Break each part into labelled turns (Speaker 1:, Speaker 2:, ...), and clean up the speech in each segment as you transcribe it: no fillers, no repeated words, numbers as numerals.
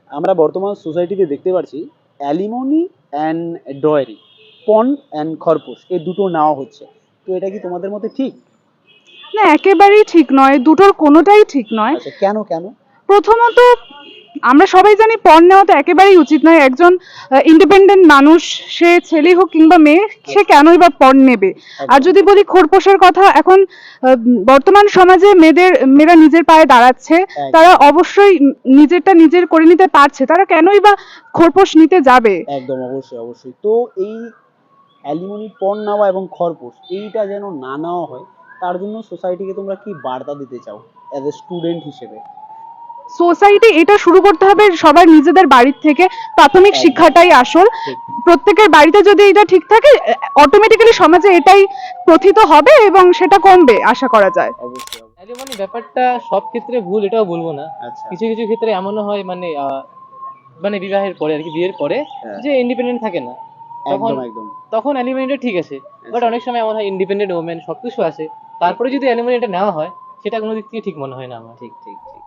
Speaker 1: আমরা বর্তমান সোসাইটিতে দেখতে পাচ্ছি অ্যালিমনি অ্যান্ড ডয়ারি, পণ অ্যান্ড খরপোশ, এই দুটো নেওয়া হচ্ছে। তো এটা কি তোমাদের মতে ঠিক?
Speaker 2: না, একেবারেই ঠিক নয়, দুটোর কোনোটাই ঠিক নয়।
Speaker 1: আচ্ছা, কেন কেন?
Speaker 2: প্রথমত, আমরা সবাই জানি পণ নেওয়া তো একেবারেই উচিত নয়। একজন ইন্ডিপেন্ডেন্ট মানুষ, সে ছেলে হোক কিংবা মেয়ে, সে কেনই বা পণ নেবে? আর যদি বলি খোরপোশের কথা, এখন বর্তমান সমাজে মেয়েরা নিজের পায়ে দাঁড়াচ্ছে, তারা অবশ্যই নিজেরটা নিজের করে নিতে পারছে, তারা কেনই বা খোরপোশ নিতে যাবে?
Speaker 1: একদম, অবশ্যই অবশ্যই। তো এই অ্যালিমনি, পণ নেওয়া এবং খরপোশ, এইটা যেন না নেওয়া হয়, তার জন্য সোসাইটিকে তোমরা কি বার্তা দিতে চাও অ্যাজ এ স্টুডেন্ট হিসেবে?
Speaker 2: সোসাইটি এটা শুরু করতে হবে সবার নিজেদের বাড়ির থেকে। প্রাথমিক
Speaker 1: একদম।
Speaker 2: শিক্ষাটাই আসল।
Speaker 1: ঠিক।
Speaker 2: প্রত্যেকের বাড়িতে যদি এটা ঠিক থাকে, অটোমেটিক্যালি সমাজে এটাই প্রথিত হবে এবং সেটা কমবে আশা করা যায়।
Speaker 1: অবশ্যই অবশ্যই।
Speaker 3: অ্যালিমনি ব্যাপারটা সব ক্ষেত্রে ভুল এটাও বলবো না।
Speaker 1: আচ্ছা।
Speaker 3: কিছু কিছু ক্ষেত্রে এমনও হয়, মানে বিবাহের পরে আর কি, বিয়ের পরে
Speaker 1: হ্যাঁ।
Speaker 3: যে ইন্ডিপেন্ডেন্ট থাকে না, তখন
Speaker 1: একদম একদম।
Speaker 3: তখন অ্যালিমনিটা ঠিক আছে। বাট অনেক সময় এমন হয় ইন্ডিপেন্ডেন্ট ওমেন সবকিছু আছে, তারপরে যদি অ্যালিমনিটা নেওয়া হয়, সেটা কোনো দিক থেকে ঠিক মনে হয় না আমার।
Speaker 1: ঠিক ঠিক ঠিক।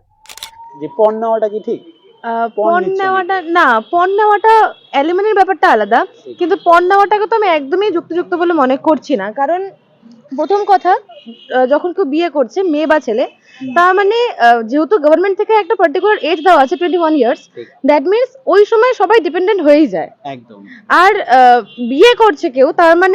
Speaker 1: যে পণ নেওয়াটা কি ঠিক? পণ
Speaker 4: পণ
Speaker 1: নিচ্ছে
Speaker 4: নেওয়াটা না, পণ নেওয়াটা অ্যালুমিনির ব্যাপারটা আলাদা,
Speaker 1: ঠিক।
Speaker 4: কিন্তু পণ নেওয়াটাকে তো আমি একদমই যুক্তিযুক্ত বলে মনে করছি না। কারণ প্রথম কথা, যখন কেউ বিয়ে করছে, মেয়ে বা ছেলে, তার মানে যেহেতু গভর্নমেন্ট থেকে একটা পার্টিকুলার এজ দেওয়া আছে 21 ইয়ার্স,
Speaker 1: ঠিক।
Speaker 4: দ্যাট মিনস ওই সময় সবাই ডিপেন্ডেন্ট হয়েই যায়।
Speaker 1: একদম।
Speaker 4: আর বিয়ে করছে কেউ, তার মানে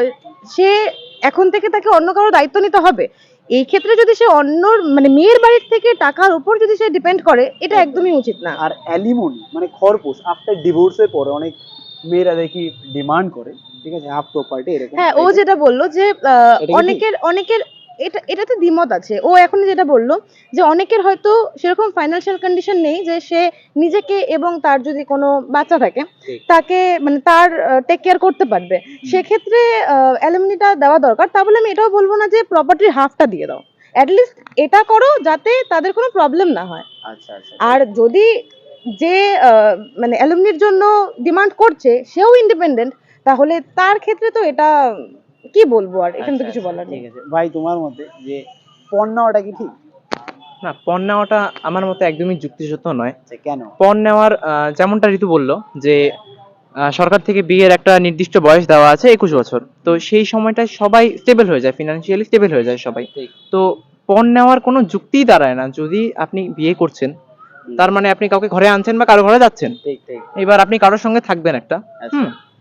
Speaker 4: সে এখন থেকে তাকে অন্য কারো দায়িত্ব নিতে হবে। এই ক্ষেত্রে যদি সে অন্য মানে মেয়ের বাড়ির থেকে টাকার উপর যদি সে ডিপেন্ড করে, এটা
Speaker 1: একদম।
Speaker 4: একদমই উচিত না।
Speaker 1: আর অ্যালিমনি মানে খরপোশ, আফটার ডিভোর্সের পরে অনেক মেয়েরা দেখি ডিমান্ড করে, ঠিক আছে, হাফ প্রপার্টি এরকম।
Speaker 4: হ্যাঁ, ও যেটা বললো যে
Speaker 1: এটা কি
Speaker 4: অনেকের অনেকের এটাতে দ্বিমত আছে। ও এখন যেটা বললো যে অনেকের হয়তো সেরকম ফাইন্যান্সিয়াল কন্ডিশন নেই যে সে নিজেকে এবং তার যদি কোনো বাচ্চা থাকে
Speaker 1: ঠিক।
Speaker 4: তাকে মানে তার টেক কেয়ার করতে পারবে, সেক্ষেত্রে অ্যালুমিনিটা দেওয়া দরকার। তা বলে আমি এটাও বলবো না যে প্রপার্টির হাফটা দিয়ে দাও, অ্যাটলিস্ট এটা করো যাতে তাদের কোনো প্রবলেম না হয়।
Speaker 1: আচ্ছা আচ্ছা।
Speaker 4: আর যদি যে মানে অ্যালুমিনির জন্য ডিমান্ড করছে সেও ইন্ডিপেন্ডেন্ট, তাহলে তার ক্ষেত্রে তো এটা কি বলবো, আর এখানে তো
Speaker 1: আচ্ছা,
Speaker 4: কিছু
Speaker 1: আচ্ছা,
Speaker 4: বলার নেই।
Speaker 1: ঠিক আছে ভাই, তোমার মতে যে পণ নেওয়াটা কি ঠিক?
Speaker 5: না, পণ নেওয়াটা আমার মতে একদমই যুক্তিসঙ্গত নয়।
Speaker 1: আচ্ছা, কেন?
Speaker 5: পণ নেওয়ার যেমনটা ঋতু বলল যে সরকার থেকে বিয়ের একটা নির্দিষ্ট বয়স দেওয়া আছে 21 বছর, তো সেই সময়টায় সবাই স্টেবল হয়ে যায়, ফিনান্সিয়ালি স্টেবল হয়ে যায় সবাই।
Speaker 1: ঠিক।
Speaker 5: তো পণ নেওয়ার কোনো যুক্তিই দাঁড়ায় না। যদি আপনি বিয়ে করছেন, তার মানে আপনি কাউকে ঘরে আনছেন বা কারো ঘরে যাচ্ছেন।
Speaker 1: ঠিক ঠিক।
Speaker 5: এবার আপনি কারোর সঙ্গে থাকবেন একটা,
Speaker 1: আচ্ছা।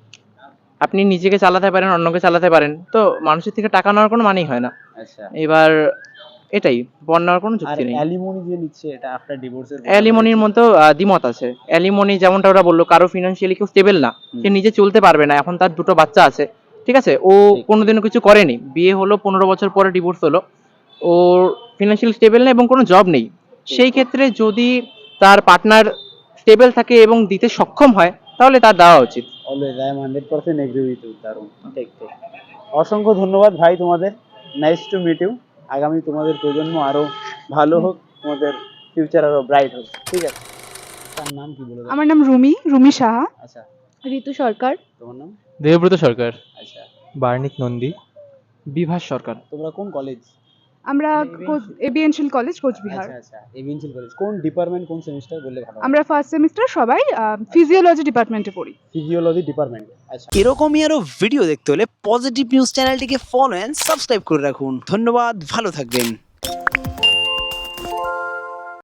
Speaker 5: আপনি নিজেকে চালাতে পারেন, অন্যকে চালাতে পারেন, তো মানুষের থেকে টাকা নেওয়ার কোনো মানেই হয় না।
Speaker 1: আচ্ছা।
Speaker 5: এবার এটাই, পণ নেওয়ার কোনো
Speaker 1: আর
Speaker 5: যুক্তি নেই।
Speaker 1: অ্যালিমনি যে নিচ্ছে এটা আফটার ডিভোর্সের পরে
Speaker 5: অ্যালিমনির মতো দ্বিমত আছে। অ্যালিমনি যেমনটা ওরা বললো, কারো ফিনান্সিয়ালি কেউ স্টেবল না, সে নিজে চলতে পারবে না, এখন তার দুটো বাচ্চা আছে, ঠিক আছে, ও
Speaker 1: ঠিক।
Speaker 5: কোনোদিনও কিছু করেনি, বিয়ে হলো 15 বছর পরে ডিভোর্স হলো, ওর ফিনান্সিয়ালি স্টেবল না এবং কোনো জব নেই। সেই ক্ষেত্রে যদি তার পার্টনার স্টেবল থাকে এবং দিতে সক্ষম হয়, তাহলে তার দেওয়া উচিত।
Speaker 1: Always I am 100% agree with you. দারুণ। ঠিক ঠিক। অসংখ্য ধন্যবাদ ভাই তোমাদের। Nice to meet you. আগামী তোমাদের প্রজন্ম আরো ভালো হোক, তোমাদের ফিউচার আরো ব্রাইট হোক। ঠিক আছে। তার নাম কি বলে দাও?
Speaker 2: আমার নাম রুমি সাহা।
Speaker 1: আচ্ছা।
Speaker 4: ঋতু সরকার।
Speaker 1: তোমার নাম?
Speaker 3: দেবব্রত সরকার।
Speaker 1: আচ্ছা।
Speaker 3: বার্নিক নন্দী।
Speaker 5: বিভাস সরকার।
Speaker 1: তোমরা কোন কলেজ?
Speaker 2: আমরা এবিএনশিল কলেজ, কোচবিহার।
Speaker 1: আচ্ছা আচ্ছা, এভিএনসিল কলেজ। কোন ডিপার্টমেন্ট, কোন সেমিস্টার বললে ভালো হয়?
Speaker 2: আমরা ফার্স্ট সেমিস্টার, সবাই ফিজিওলজি ডিপার্টমেন্টে পড়ি।
Speaker 1: Physiology department. আচ্ছা।
Speaker 6: এরকমই আরো ভিডিও দেখতে হলে পজিটিভ নিউজ চ্যানেলটিকে ফলো এন্ড সাবস্ক্রাইব করে রাখুন। ধন্যবাদ, ভালো থাকবেন।